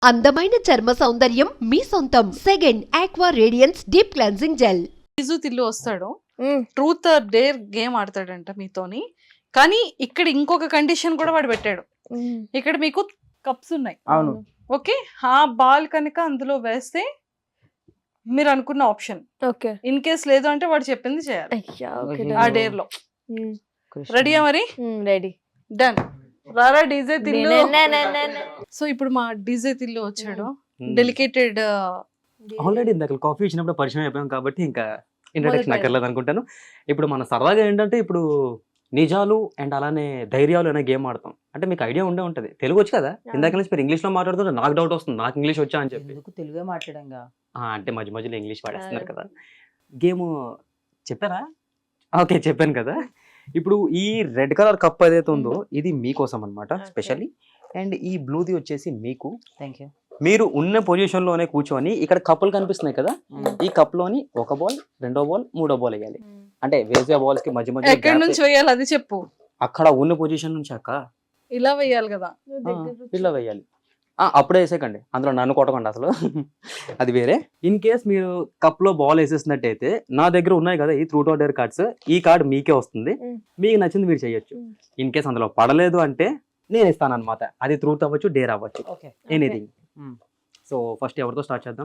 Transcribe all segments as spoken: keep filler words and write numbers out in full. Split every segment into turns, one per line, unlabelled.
అందమైన చర్మ సౌందర్యం మీ సొంతం. Second aqua radiance deep cleansing gel.
ఇజు తిల్లు వస్తాడు, ట్రూత్ ఆర్ డేర్ గేమ్ ఆడతాడంట మీతోని. కానీ ఇక్కడ ఇంకొక కండిషన్ కూడా వాడు పెట్టాడు. ఇక్కడ మీకు కప్స్ ఉన్నాయి,
అవును,
ఓకే. ఆ బాల్ కనుక అందులో వేస్తే మీరు అనుకున్న ఆప్షన్,
ఓకే.
ఇన్ కేస్ లేదు అంటే వాడు చెప్పింది చేయాలి ఆ డేర్ లో. రెడీయా మరి?
రెడీ.
డన్. రారా డీజే తిల్లు. సో ఇప్పుడు మా డీజే తిల్లు వచ్చాడు. డెలికేటెడ్
ఆల్రెడీ ఇందాక కాఫీ ఇచ్చినప్పుడు పరిచయం అయిపోయాం కాబట్టి ఇంకా ఇంట్రడక్షన్ అక్కర్లేదు అనుకుంటాను. ఇప్పుడు మన సరదాగా ఏంటంటే ఇప్పుడు నిజాలు అండ్ అలానే ధైర్యాలు అనే గేమ్ ఆడతాం. అంటే మీకు ఐడియా ఉండే ఉంటది, తెలుగు వచ్చి కదా. ఇందాక నుంచి మీరు ఇంగ్లీష్ లో మాట్లాడుతుంటే నాకు డౌట్ వస్తుంది, నాకు ఇంగ్లీష్ వచ్చా అని చెప్పి.
తెలుగే మాట్లాడంగా
అంటే మధ్య మధ్యలో ఇంగ్లీష్ వాడేస్తున్నారు కదా. గేమ్ చెప్పారా? ఓకే, చెప్పాను కదా. ఇప్పుడు ఈ రెడ్ కలర్ కప్ ఏదైతే ఉందో ఇది మీకోసం అనమాట స్పెషల్లీ. అండ్ ఈ బ్లూది వచ్చేసి మీకు.
Thank you.
మీరు ఉన్న పొజిషన్ లోనే కూర్చొని ఇక్కడ కప్పులు కనిపిస్తున్నాయి కదా, ఈ కప్ లోని ఒక బాల్, రెండో బాల్, మూడో బాల్ వేయాలి. అంటే వేసే బాల్స్ కి మధ్య మధ్య
ఎక్కడి నుంచి వేయాలి అది చెప్పు.
అక్కడ ఉన్న పొజిషన్ నుంచి అక్క
ఇలా వేయాలి కదా,
ఇలా వేయాలి. అప్పుడే వేసేకండి, అందులో నన్ను కొట్టకండి అసలు. అది వేరే. ఇన్ కేస్ మీరు కప్ లో బాల్ వేసేసినట్టయితే నా దగ్గర ఉన్నాయి కదా ఈ ట్రూత్ ఆర్ డేర్ కార్డ్స్, ఈ కార్డ్ మీకే వస్తుంది. మీకు నచ్చింది మీరు చేయొచ్చు. ఇన్ కేస్ అందులో పడలేదు అంటే నేను ఇస్తాను అనమాట. అది ట్రూత్ అవ్వచ్చు, డేర్ అవ్వచ్చు, ఎనీథింగ్. సో ఫస్ట్ ఎవరితో స్టార్ట్ చేద్దాం?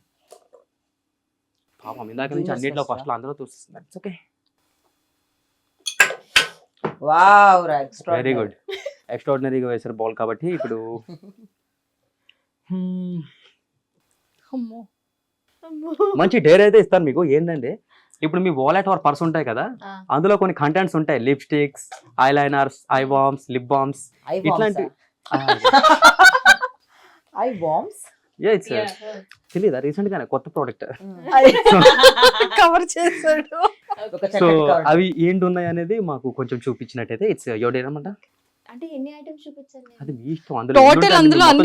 పాపం ఇందాక నుంచి అన్నింటిలో ఫస్ట్ లో అందరూ చూస్తున్నారు. Okay,
wow,
very good. ఎక్స్ట్రాడినరీగా వేసారు బాల్ కాబట్టి ఇప్పుడు మంచి డేర్ అయితే ఇస్తాను మీకు. ఏంటంటే ఇప్పుడు మీ వాలెట్ ఆర్ పర్స్ ఉంటాయి కదా, అందులో కొన్ని కంటెంట్స్ ఉంటాయి. Lipsticks, eye liners, eye balms, lip balms, ఇట్లాంటి.
ఐ బామ్స్
తెలీదా? రీసెంట్ గానే కొత్త ప్రోడక్ట్
కవర్ చేశాడు.
సో అవి ఏంటి ఉన్నాయి అనేది మాకు కొంచెం చూపించినట్టయితే ఇట్స్ యువర్ డేర్ అన్నమాట.
అంటే ఎన్ని ఐటమ్స్ చూపించాలి?
అది మీ ఇష్టం. అందులో
టోటల్ అందులో అన్ని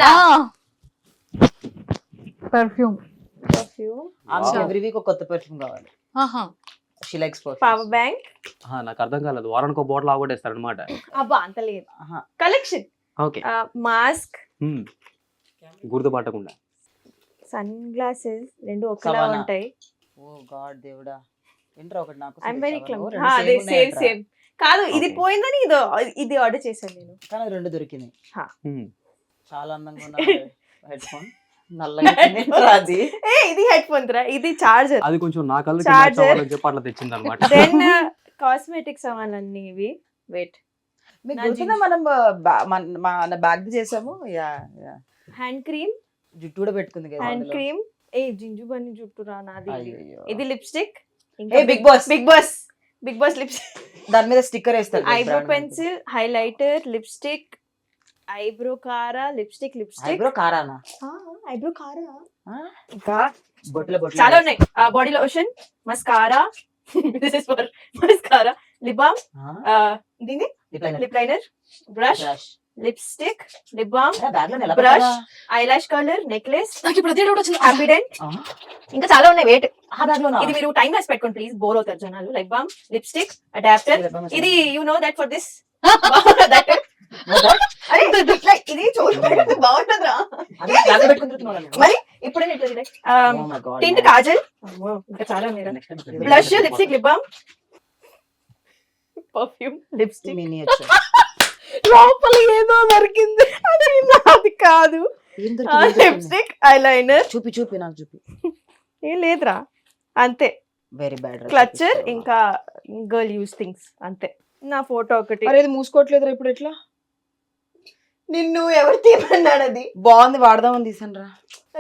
పర్ఫ్యూమ్.
పర్ఫ్యూమ్
ఎవ్రీ వీక్ ఒక కొత్త పర్ఫ్యూమ్ కావాలి.
ఆహా,
she likes perfume.
Power bank.
నాకు అర్థం కాలేదు, వారానికి ఒక బాటిల్ ఆగొట్టేస్తారు అనమాట.
అబ్బా అంత లేదు. కలెక్షన్.
ఓకే.
మాస్క్,
గుర్తుపట్టకుండా
సన్ గ్లాసెస్ రెండు ఒకేలా ఉంటాయి.
ఓ గాడ్ దేవుడా, ఏంట్రా ఒకటి నాకు.
I am very calm. హా అదే సేమ్ సేమ్. కాదు ఇది పోయిందని ఇది ఇది ఆర్డర్ చేశాను నేను.
కానీ రెండు దొరికినాయి.
హా
చాలా అందంగా ఉన్న హెడ్ ఫోన్. నల్లగా అది
ఏ ఇది హెడ్ ఫోన్ రా, ఇది చార్జర్.
అది కొంచెం నా కళ్ళకి మ్యాచ్ అవ్వాలని చెప్పి అట్లా తెచ్చింది అన్నమాట.
దెన్ కాస్మెటిక్స్ అవన్నీ ఇవి. వెయిట్,
మీకు గుర్తుందా మనం మన బ్యాగ్ చేసాము? Yeah yeah.
హ్యాండ్ క్రీమ్,
జుట్టు కూడా పెట్టుకుంది కదా.
Hand cream. ఏ జింజు బన్ని జుట్టు రా నాది. ఇది లిప్స్టిక్.
ఏ big boss,
big boss, big boss lipstick.
దాని మీద స్టిక్కర్ వేస్తారు.
Eyebrow pencil, highlighter, lipstick, eyebrow కారా, లిప్స్టిక్, లిప్స్టిక్.
ఐబ్రో కారానా?
ఐబ్రో కారా.
ఇంకా బొట్ల బొట్ల
చాలా ఉన్నాయి. Body lotion, mascara, this is for mascara, lip balm, దీని lip liner, brush, lipstick, lip balm, brush, eyelash colour, necklace. నాకు ఇప్పుడు అదే డౌట్ వచ్చింది. హ్యాపీడెంట్. ఇంకా చాలా ఉన్నాయి. వెయిట్, ఇది మీరు టైం వేసి పెట్టుకోండి ప్లీజ్, బోర్ అవుతారు జనాలు. Lip balm, lipstick, adapter. ఇది you know that for this. అరే ఇది చూడండి బాగుంటుందిరా. మరి ఇప్పుడే టింట్, కాజల్, ఇంకా చాలా ఉన్నాయి. Blush, lipstick, lip balm, perfume, lipstick.
Miniature.
లోపల ఏదో దొరికింది, అది నాది కాదు. Lipstick, eyeliner.
చూపి చూపి నాకు చూపి.
ఏం లేదురా, అంతే.
Very bad.
క్లచర్, ఇంకా గర్ల్ యూస్ థింగ్స్, అంతే. నా ఫోటో ఒకటి.
అరే ఇది మూసుకోవట్లేదురా ఇప్పుడు. ఎట్లా
నిన్ను ఎవరు తీయమన్నాడు? అది
బాగుంది, వాడదామని తీసాను రా.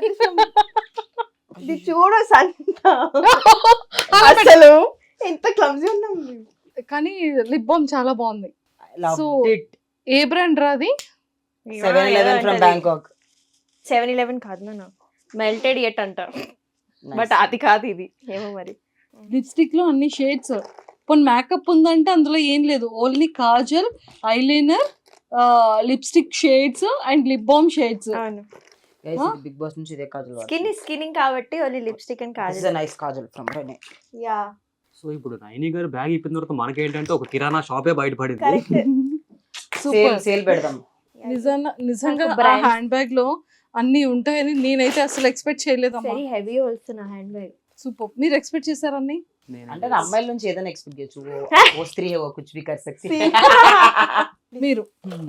ఇది చూడు సంత, అసలు ఎంత క్లమ్జీ ఉన్నాం.
కానీ లిప్ బామ్ చాలా బాగుంది. సో ఏ బ్రాండ్ రాది?
Seven eleven from Bangkok.
Seven eleven కాదు నా, మెల్టెడ్ ఎట్ అంట, బట్ అది కాదు ఇది. ఏమో మరి.
లిప్స్టిక్ లో అన్ని షేడ్స్. పోనీ మేకప్ ఉందంటే అందులో ఏం లేదు, only kajal, eyeliner, lipstick shades and lip balm shades.
Big boss నుంచి ఇదే కాజల్.
స్కిన్ స్కిన్నింగ్ కాబట్టి only lipstick and kajal.
This is a nice kajal from Renee.
Yeah.
So ఇప్పుడు నైని గారు బ్యాగ్ ఇప్పిన తర్వాత మనకేంటంటే ఒక కిరాణా షాపే బయటపడింది.
కరెక్ట్.
సేల్ సేల్ పెడదాం.
నిజంగా నిజంగా హ్యాండ్ బ్యాగ్ లో అన్ని ఉంటాయని నేనైతే అసలు ఎక్స్పెక్ట్ చేయలేదమ్మా.
వెరీ హెవీ ఆల్సో నా హ్యాండ్ బ్యాగ్.
సూపర్. మీరు ఎక్స్పెక్ట్ చేశారని?
అంటే నా అమ్మాయిల నుంచి ఏదైనా ఎక్స్పెక్ట్ చేయొచ్చు. ఓ- ఓ స్త్రీ ఓ కుచ్ భీ కర్ సక్తి.
మీరు